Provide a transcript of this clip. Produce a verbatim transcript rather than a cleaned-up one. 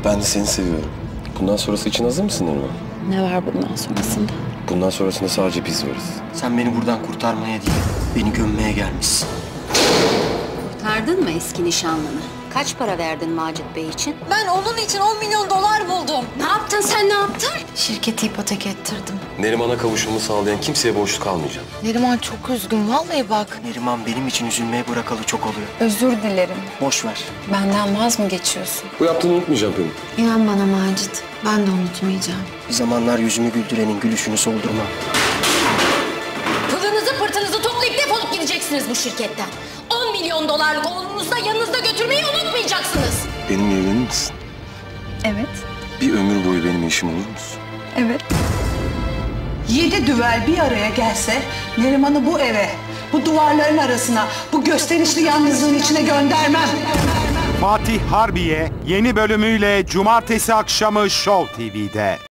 Ben de seni seviyorum. Bundan sonrası için hazır mısın Neriman? Ne var bundan sonrasında? Bundan sonrasında sadece biz varız. Sen beni buradan kurtarmaya değil, beni gömmeye gelmişsin. Kurtardın mı eski nişanlını? Kaç para verdin Macit Bey için? Ben onun için on milyon dolar buldum. Ne yaptın sen, ne yaptın? Şirketi ipotek ettirdim. Neriman'a kavuşumu sağlayan kimseye borçlu kalmayacağım. Neriman çok üzgün vallahi bak. Neriman benim için üzülmeye bırakalı çok oluyor. Özür dilerim. Boş ver. Benden vaz mı geçiyorsun? Bu yaptığını unutmayacağım Pelin. İnan bana Macit, ben de unutmayacağım. Bir zamanlar yüzümü güldürenin gülüşünü soldurmam. Pılınızı pırtınızı toplayıp defolup gideceksiniz bu şirketten. on milyon dolarlık oğlunuzu da yanınızda götürmeyi unutmayacaksınız. Benimle evlenir misin? Evet. Bir ömür boyu benim eşim olur musun? Evet. Yedi düvel bir araya gelse Neriman'ı bu eve, bu duvarların arasına, bu gösterişli yalnızlığın içine göndermem. Fatih Harbiye yeni bölümüyle Cumartesi akşamı Show T V'de.